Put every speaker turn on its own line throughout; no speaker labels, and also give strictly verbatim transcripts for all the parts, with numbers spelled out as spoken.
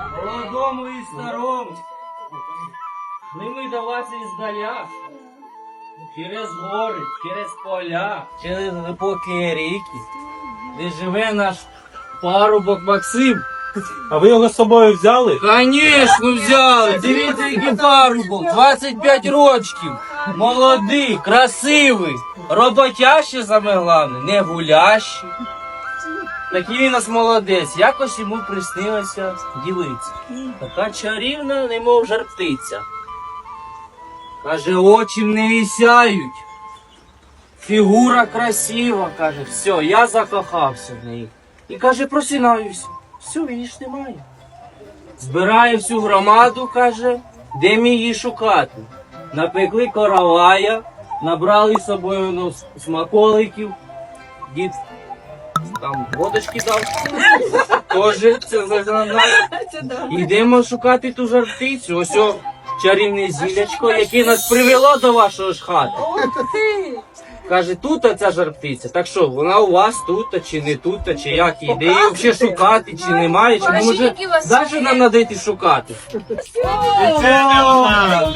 молодому і старому. Шли ми до вас іздаля. Через гори, через поля, через глибокі ріки, де живе наш парубок Максим.
А ви його з собою взяли?
Конечно, взяли. Дивіться, який парубок. двадцять п'ять років. Молодий, красивий, роботящий, саме головне, не гулящий. Такий він у нас молодець. Якось йому приснилася дівиця. Така чарівна, немов жар птиця. Каже, очі не вісяють. Фігура красива, каже, все, я закохався в неї. І каже, просинаюся. Все, її ж немає. Збирає всю громаду, каже, де мені її шукати. Напекли коровая, набрали з собою ну, смаколиків, дід там водочки дав. Тоже це знає. Йдемо шукати ту жар-птицю. Ось о, чарівне зілячко, яке нас привело до вашого ж хати. Каже, тут ця жар-птиця. Так що, вона у вас тут, чи не тут, чи як? Іде її взагалі шукати, чи немає, чи може навіть нам треба йти шукати.
Це не вона.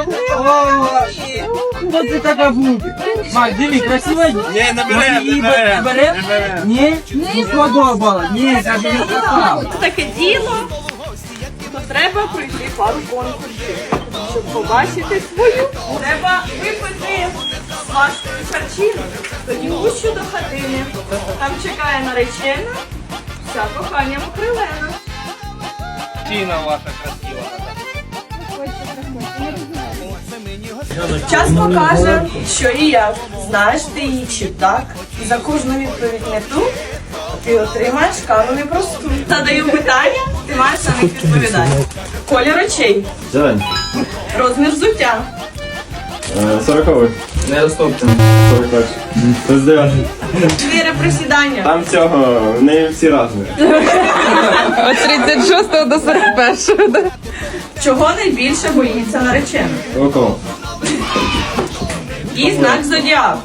Хто це така буде? Мак, диви, красива?
Ні, не бере, не бере.
Бере? Ні? Не сподобала. Ні, каже, не така.
Таке діло, то треба пройти пару конкурсів. Щоб побачити свою, треба випити з вашої харчівки, тоді гущу до хатини. Там чекає наречена, вся коханням окрилена.
Тіна ваша красива.
Час покаже, що і як. Знаєш ти її чи так. І за кожну відповідь не ту, ти отримаєш кару непросту. Задаю питання, ти маєш на них відповідати. Колір очей,
Зелень.
розмір взуття,
Сороковий.
Не розтопте.
Сорок перший. Тридцять дев'ятий.
чотири присідання.
Там цього, в неї всі разні.
От тридцять шостого до сорок першого, да?
Чого найбільше боїться наречена?
Около.
І знак зодіаку.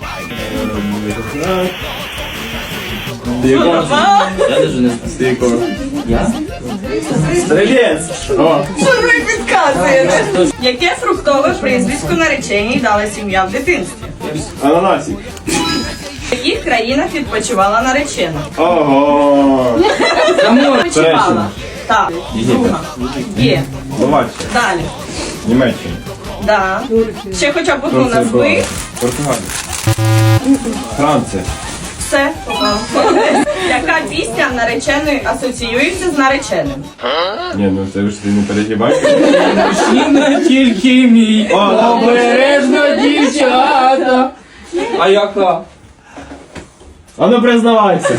Стійко.
Я навіть не знаю.
Стійко.
Я?
Стрілець. О.
Що ви підказуєте? Яке фруктове прізвисько нареченій дала сім'я в дитинстві?
Ананасик.
В яких країнах відпочивала наречена?
Ого.
Відпочивала. Так. Друга. Є.
Словаччина.
Далі.
Німеччина.
Да. Ще хоча б одну
Турція,
назви.
Португалія. Франція.
Все. Яка пісня нареченої асоціюється з нареченим?
Ні, ну це ж ти не перегибай.
Мужчина тільки мій, обережно дівчата. А яка?
А ну признавайся.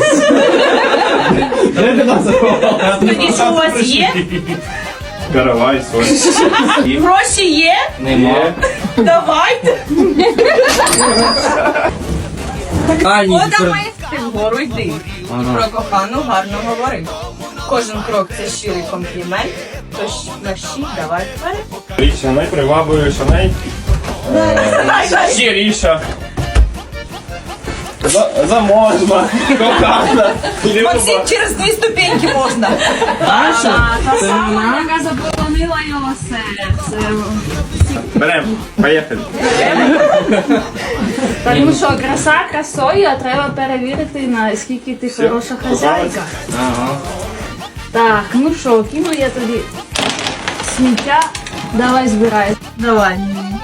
Де ти нас заховала?
Тоді що у вас є?
Каравай свой.
Гроші є?
Нема.
Давайте.
Ані,
Ходами ти вгору йди. Про кохану гарно говори. Кожен крок це щирий комплімент. Тож мерщій, давай вперед.
Річа найпривабливіша, най... Щиріша. За- Заможна, кохана, люба.
через дві ступеньки можна.
Наша? Це вона?
Яка заполонила його серце.
Берем, поїхали.
Тому що краса красою, а треба перевірити, наскільки ти хороша хазяйка.
Ага.
Так, ну що, кину я тобі сміття. Давай збирай. Давай.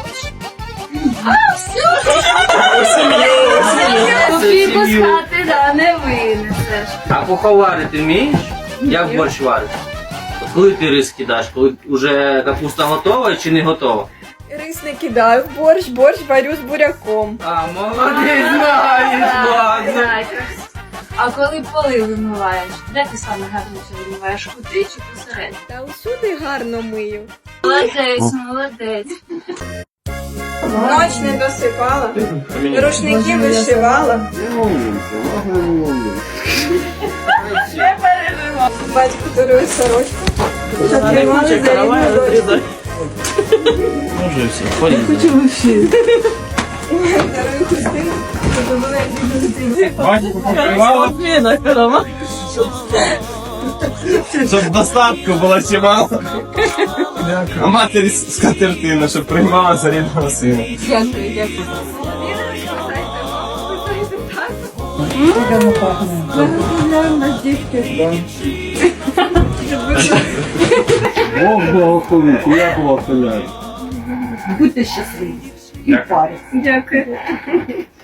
Копійку з хати, да, не винесеш.
А поховарити ти вмієш? Як борщ варити? От коли ти рис кидаєш? Коли вже капуста готова чи не готова?
Рис не кидаю в борщ, борщ варю з буряком.
А, молодець, знаєш, ладно.
А коли поли вимиваєш, де ти саме гарніше вимиваєш? Кути чи посередині?
Та усюди гарно мию.
Молодець, молодець.
Ноч не досипала, рушники вишивала.
Не переживай.
Батько дарує сорочку, щоб тримали за рідну дочку.
Може все, ходіть.
Дарую хустину, щоб були рідні дитини.
Батько покривала.
Зміна, корова.
Щоб достатку було чимало. А матері скатертина, щоб приймала за рідного сина.
Дякую, дякую.
Поздравляємо нас, дітки.
Бог благословить, я благословляю.
Будьте щасливі. І в парі.
Дякую.